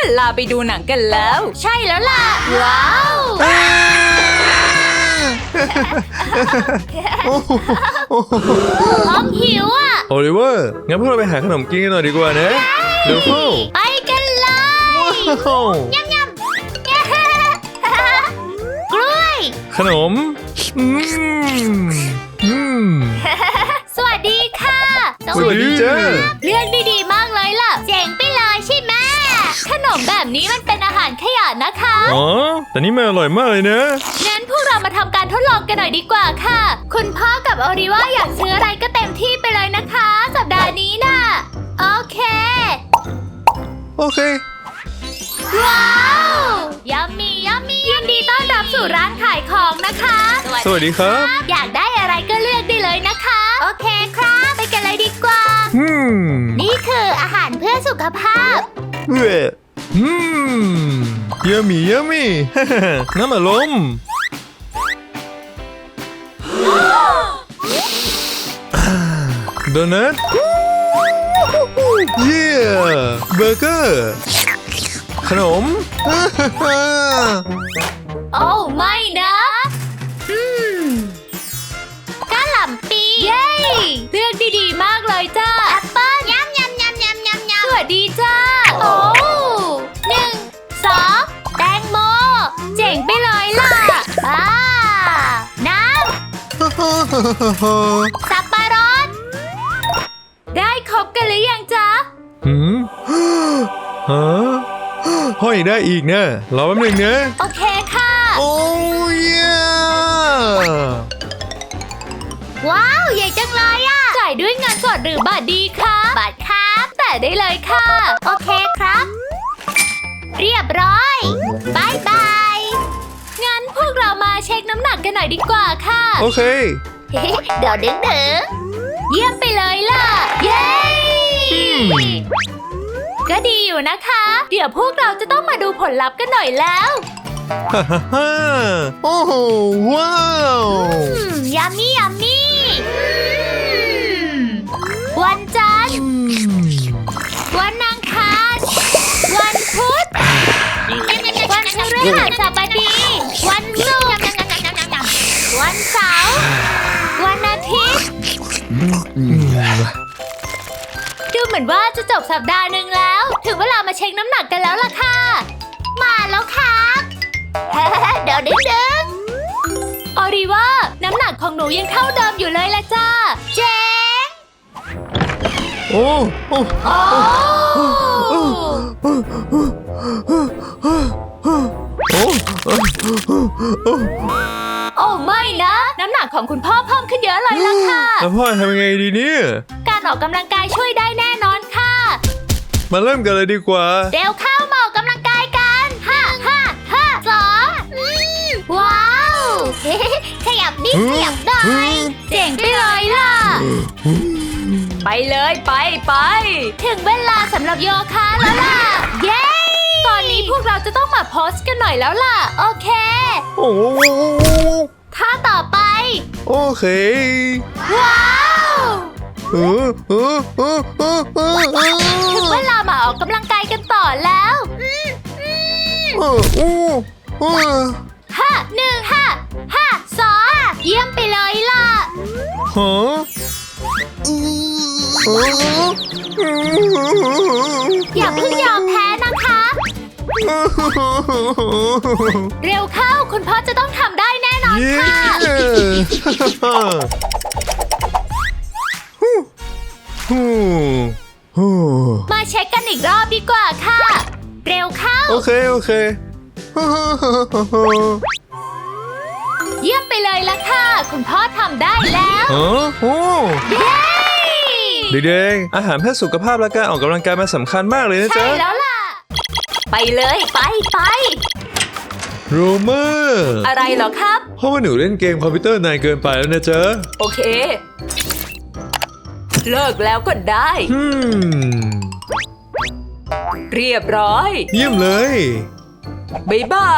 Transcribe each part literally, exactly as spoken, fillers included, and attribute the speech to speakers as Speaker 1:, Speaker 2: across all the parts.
Speaker 1: ลาไปดูหนังกันแล้ว
Speaker 2: ใช่แล้วล่ะว้าว พร้อมหิวอ่ะ
Speaker 3: โอลิเวอร์งั้นพวกเราไปหาขนมกินกันหน่อยดีกว่านะเร็วเข้า
Speaker 2: ไปกันเลย
Speaker 3: ว้าวย
Speaker 2: ำยำกล้วย
Speaker 3: ขนมอืมอืม
Speaker 2: สวัสดีค่ะ
Speaker 3: สวัสดีจ้า
Speaker 2: เลือกได้ดีมากเลยล่ะเจ๋งไปเลยใช่ไหมขนมแบบนี้มันเป็นอาหารขยะนะคะ
Speaker 3: อ๋อแต่นี่มันอร่อยมากเลยนะ
Speaker 2: งั้นพวกเรามาทำการทดลองกันหน่อยดีกว่าค่ะ คุณพ่อกับโอริว่าอยากซื้ออะไรก็เต็มที่ไปเลยนะคะ สัปดาห์นี้น่ะ โอเค
Speaker 3: โอเค
Speaker 2: ว้าวยัมมี่ยัมมี่ยินดีต้อนรับสู่ร้านขายของนะคะ
Speaker 3: สวัสดีครับ
Speaker 2: อยากได้อะไรก็เลือกได้เลยนะคะ โอเคครับไปกันเลยดีกว่า
Speaker 3: อืม
Speaker 2: นี่คืออาหารเพื่อสุขภาพ
Speaker 3: เว้ยอืมเยอะมี่เยอะมี่ น้ำอารมณ์โดนัทเยี่ยเบอร์เกอร์ขนม
Speaker 2: โอ้ไม่นะอืมกะหล่ำปีเย้เลือกดีๆมากเลยจ้าแอปเปิ้ลยำยำยำยำยำยำสวัสดีจ้าโอ้หนึ่งสองแตงโมเจ๋งไปเลยล่ะอ่าน้ำสับปะรดได้ครบกันหรือยังจ๊ะ
Speaker 3: หืมฮะห้อยได้อีกนะรอแป๊บหนึงนะ
Speaker 2: โอเคค่ะ
Speaker 3: โอ้ย
Speaker 2: ว้าวใหญ่จังเลยอะจ่ายด้วยเงินสดหรือบัตรดีคะบัตรครับแต่ได้เลยค่ะ โอเคครับ เรียบร้อยบายบายงั้นพวกเรามาเช็คน้ำหนักกันหน่อยดีกว่าค่ะ
Speaker 3: โอเค
Speaker 2: เดี๋ยวดึงดึงเยี่ยมไปเลยล่ะ เย้ ก็ดีอยู่นะคะ เดี๋ยวพวกเราจะต้องมาดูผลลัพธ์กันหน่อยแล้ว
Speaker 3: ฮ่าฮ่าฮ่าโอ้โหว้าว
Speaker 2: อืมยัมมี่ยัมมี่วันจันทร์ วันอังคารวันพุธวันพฤหัสบดี วันศุกร์วันเสาร์วันอาทิตย์ดูเหมือนว่าจะจบสัปดาห์หนึ่งแล้ว ถึงเวลามาเช็คน้ำหนักกันแล้วล่ะค่ะ มาแล้วครับ เดี๋ยวดึงดึงออริว่าน้ำหนักของหนูยังเท่าเดิมอยู่เลยละจ้าเจ๊ง
Speaker 3: โอ้โอ้
Speaker 2: โอ้
Speaker 3: โอ้
Speaker 2: โอ้ไม่นะ น้ำหนักของคุณพ่อเพิ่มขึ้นเยอะเลยล่ะค่ะ
Speaker 3: แล้วพ่อทำยังไงดีเนี่ย
Speaker 2: การออกกำลังกายช่วยได้แน่นอนค่ะ
Speaker 3: มาเริ่มกันเลยดีกว่า
Speaker 2: เร็วเข้ามาออกกำลังกายกันห้าห้าห้าสองอืมว้าว ขยับนิดขยับหน่อยเจ๋งไปเลยล่ะ
Speaker 1: ไปเลยไปไป
Speaker 2: ถึงเวลาสำหรับโยคะแล้วล่ะ เย้ ตอนนี้พวกเราจะต้องมาโพสกันหน่อยแล้วล่ะ โอเค
Speaker 3: โอ้
Speaker 2: ท่าต่อไป
Speaker 3: โอเค
Speaker 2: ว้าว
Speaker 3: เออเออเออเออเออเออ
Speaker 2: ถึงเวลามาออกกำลังกายกันต่อแล้วอืมอืม
Speaker 3: เออโอ้โอ้
Speaker 2: ห้าหนึ่งห้าห้าสองเยี่ยมไปเลยล่ะ
Speaker 3: ฮะเออ
Speaker 2: อย่าเพิ่งยอมแพ้นะคะ เร็วเข้าคุณพ่อจะต้องทำได้แน่นอน
Speaker 3: เย้
Speaker 2: ค่ะ
Speaker 3: ฮู้ฮู้ฮู้
Speaker 2: มาเช็คกันอีกรอบดีกว่าค่ะ เร็วเข้า
Speaker 3: โอเคโอเค
Speaker 2: เยี่ยมไปเลยล่ะค่ะ คุณพ่อทำได้แล้ว
Speaker 3: ฮะโอ้
Speaker 2: เย้
Speaker 3: เด็กๆอาหารเพื่อสุขภาพและการออกกำลังกายมันสำคัญมากเลยนะ
Speaker 2: ใช่
Speaker 3: จ๊ะ
Speaker 2: แล้วล่ะ
Speaker 1: ไปเลยไปไป
Speaker 3: โรเมอร์
Speaker 1: อะไรเหรอครับ
Speaker 3: เพราะว่าหนูเล่นเกมคอมพิวเตอร์นานเกินไปแล้วนะจ๊ะ
Speaker 1: โอเค เลิกแล้วก็ได้
Speaker 3: อืม
Speaker 1: เรียบร้อย
Speaker 3: เยี่ยมเลย
Speaker 1: บ๊ายบาย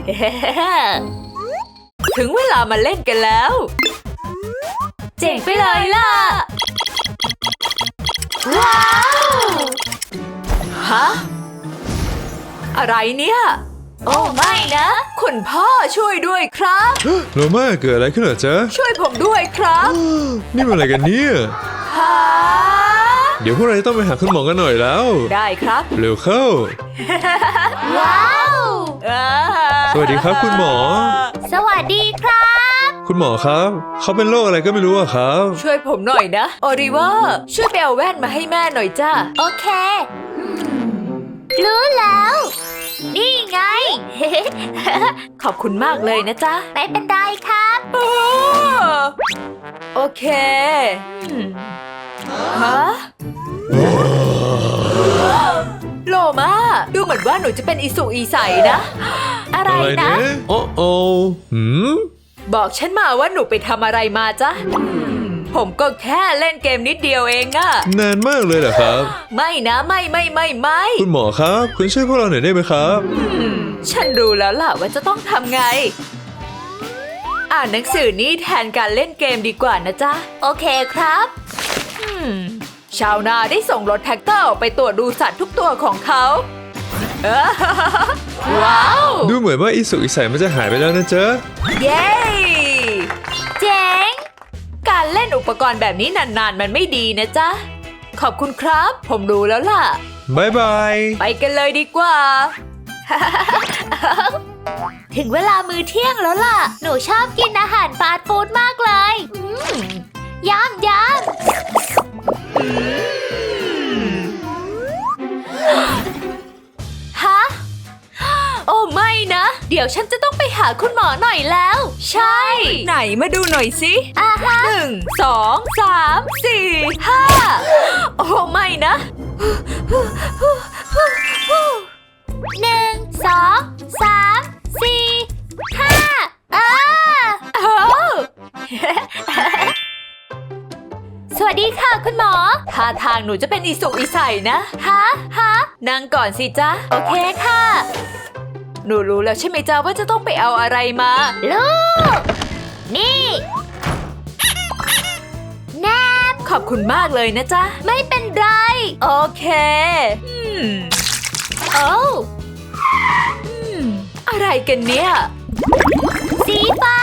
Speaker 1: ถึงเวลามาเล่นกันแล้ว
Speaker 2: เจ๋งไปเลยล่ะ ว้าว
Speaker 1: ฮะอะไรเนี่ย โอ้ไม่นะ คุณพ่อช่วยด้วยครับ
Speaker 3: โรมาเกิดอะไรขึ้นเหรอจ๊ะ
Speaker 1: ช่วยผมด้วยครับ
Speaker 3: นี่มันอะไรกันเนี่ย
Speaker 1: ฮะ
Speaker 3: เดี๋ยวพวกเราจะต้องไปหาคุณหมอกันหน่อยแล้ว
Speaker 1: ได้ครับ
Speaker 3: เร็วเข้า
Speaker 2: ว้าว
Speaker 1: อ่า
Speaker 3: สวัสดีครับคุณหมอ
Speaker 2: สวัสดีครับ
Speaker 3: คุณหมอครับ เขาเป็นโรคอะไรก็ไม่รู้อะครับ
Speaker 1: ช่วยผมหน่อยนะโอริเวอร์ช่วยไปเอาแว่นมาให้แม่หน่อยจ้า
Speaker 2: โอเค รู้แล้ว นี่ไง
Speaker 1: ขอบคุณมากเลยนะจ๊ะ
Speaker 2: ไม่เป็นไรครับ
Speaker 1: โอ้โอเคอืมฮะโลมาดูเหมือนว่าหนูจะเป็นอิสุอีใสนะ
Speaker 2: อะไรนะ
Speaker 3: โอ้โอ้หืม
Speaker 1: บอกฉันมาว่าหนูไปทำอะไรมาจ๊ะอืมผมก็แค่เล่นเกมนิดเดียวเองอะ
Speaker 3: นานมากเลยเหรอครับ
Speaker 1: ไม่นะไม่ไม่ไม่ไม่
Speaker 3: คุณหมอครับ คุณช่วยพวกเราหน่อยได้ไหมครับ
Speaker 1: อืมฉันรู้แล้วล่ะว่าจะต้องทำไง อ่านหนังสือนี้แทนการเล่นเกมดีกว่านะจ๊ะ
Speaker 2: โอเคครับ
Speaker 1: อืมชาวนาได้ส่งรถแท็กเตอร์ออกไปตรวจดูสัตว์ทุกตัวของเขาเอ้อว้าว
Speaker 3: ดูเหมือนว่าอิสุอิสัยมันจะหายไปแล้วนะจ๊ะ
Speaker 1: เย้
Speaker 2: เจ๋ง
Speaker 1: การเล่นอุปกรณ์แบบนี้นานๆมันไม่ดีนะจ๊ะ ขอบคุณครับ ผมรู้แล้วล่ะ
Speaker 3: บายบาย
Speaker 1: ไปกันเลยดีกว่า
Speaker 2: ถึงเวลามื้อเที่ยงแล้วล่ะ หนูชอบกินอาหารฟาสต์ฟู้ดมากเลยอืมยำยำฮะ
Speaker 1: โอ้ไม่นะ เดี๋ยวฉันจะต้องไปหาคุณหมอหน่อยแล้ว ใช่ ไหนมาดูหน่อยสิ
Speaker 2: อ่าฮะ
Speaker 1: หนึ่งสองสามสี่ห้าโอ้ไม่นะ
Speaker 2: หนึ่งสองสามสี่ห้าอ่า
Speaker 1: เอ้า
Speaker 2: สวัสดีค่ะคุณหมอ
Speaker 1: ท่าทางหนูจะเป็นอิสุกอิสัยนะ
Speaker 2: ฮะฮะ
Speaker 1: นั่งก่อนสิจ๊ะ
Speaker 2: โอเคค่ะ
Speaker 1: หนูรู้แล้วใช่ไหมจ๊ะว่าจะต้องไปเอาอะไรมา
Speaker 2: ลูก นี่แนบ
Speaker 1: ขอบคุณมากเลยนะจ๊ะ
Speaker 2: ไม่เป็นไร
Speaker 1: โอเคอืม
Speaker 2: โอ้
Speaker 1: อืมอะไรกันเนี่ย
Speaker 2: สีฟ้า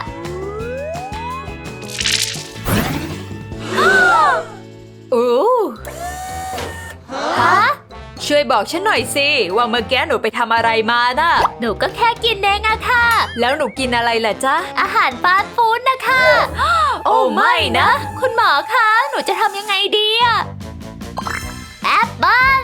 Speaker 1: อู้
Speaker 2: ฮะ
Speaker 1: ช่วยบอกฉันหน่อยสิว่าเมื่อกี้หนูไปทำอะไรมาน่ะ
Speaker 2: หนูก็แค่กินเองอะค่ะ
Speaker 1: แล้วหนูกินอะไรล่ะจ๊ะ
Speaker 2: อาหารฟาสต์ฟู้ดนะคะ
Speaker 1: โอ้ไม่นะ
Speaker 2: คุณหมอคะ หนูจะทำยังไงดีอะแอปเปิ้ล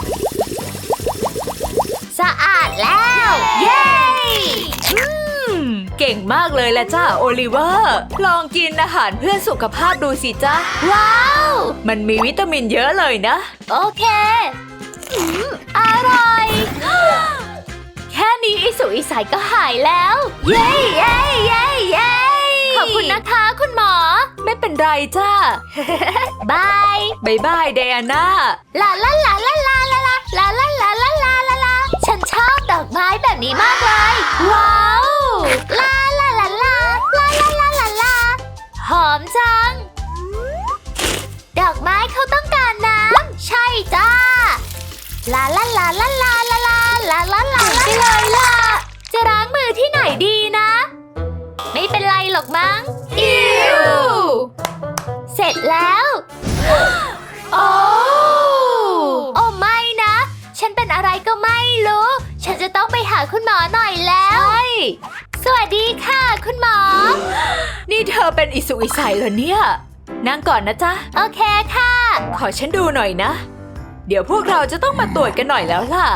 Speaker 2: สะอาดแล้ว เย้
Speaker 1: อืมเก่งมากเลยละจ้าโอลิเวอร์ ลองกินอาหารเพื่อสุขภาพดูสิจ๊ะ
Speaker 2: ว้าว
Speaker 1: มันมีวิตามินเยอะเลยนะ
Speaker 2: โอเคอืมอร่อย
Speaker 1: แค่นี้อิสุอิสัยก็หายแล้ว
Speaker 2: เย้เย้เย้เย้ขอบคุณนะคะคุณหมอ
Speaker 1: ไม่เป็นไรจ้า
Speaker 2: บาย
Speaker 1: บายบายไดอาน่า
Speaker 2: ลาลาลาลาลาลาลาลาลาลาลาลาลาลาฉันชอบดอกไม้แบบนี้มากเลย ว้าวลาลาลาลาลาลาลาลาลาหอมจัง ดอกไม้เขาต้องการน้ำใช่จ้าลาลาลาลาลาลาลาลาลาลาไปเลยล่ะ จะล้างมือที่ไหนดีนะ ไม่เป็นไรหรอกมั้ง
Speaker 1: อิว
Speaker 2: เสร็จแล้ว
Speaker 1: โอ้
Speaker 2: โอ้ไม่นะ ฉันเป็นอะไรก็ไม่รู้ ฉันจะต้องไปหาคุณหมอหน่อยแล้ว สวัสดีค่ะ คุณหมอ
Speaker 1: นี่เธอเป็นอิสุอิสัยเหรอเนี่ย นั่งก่อนนะจ๊ะ
Speaker 2: โอเคค่ะ
Speaker 1: ขอฉันดูหน่อยนะ เดี๋ยวพวกเราจะต้องมาตรวจกันหน่อยแล้วล่ะ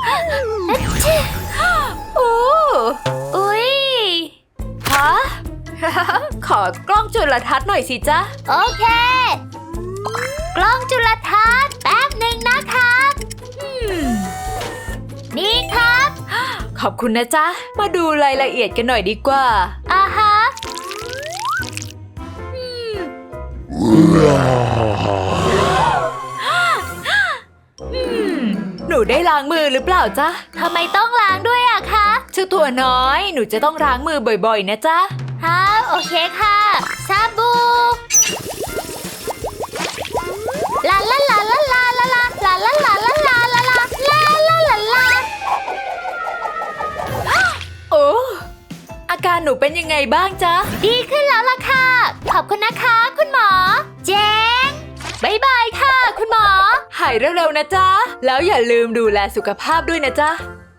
Speaker 1: โอ้
Speaker 2: อุ๊ย
Speaker 1: ฮะ ขอกล้องจุลทรรศน์หน่อยสิจ๊ะ
Speaker 2: โอเค กล้องจุลทรรศน์แป๊บหนึ่งนะครับ
Speaker 1: อืม
Speaker 2: นี่ครับ
Speaker 1: ขอบคุณนะจ๊ะ มาดูรายละเอียดกันหน่อยดีกว่า
Speaker 2: อ่าฮะ
Speaker 1: อืม หนูได้ล้างมือหรือเปล่าจ๊ะ
Speaker 2: ทำไมต้องล้างด้วยอะคะ
Speaker 1: เจ้าตัวน้อย หนูจะต้องล้างมือบ่อยๆนะจ๊ะ
Speaker 2: ฮะโอเคค่ะซาบูลาลาลาลาลาลาลาลาลาลาลาลาลาลาลาลาลา
Speaker 1: การหนูเป็นยังไงบ้างจ๊ะ
Speaker 2: ดีขึ้นแล้วล่ะค่ะ ขอบคุณนะคะคุณหมอ เจ๊งบายบายค่ะคุณหมอ
Speaker 1: หายเร็วๆนะจ๊ะ แล้วอย่าลืมดูแลสุขภาพด้วยนะจ๊ะ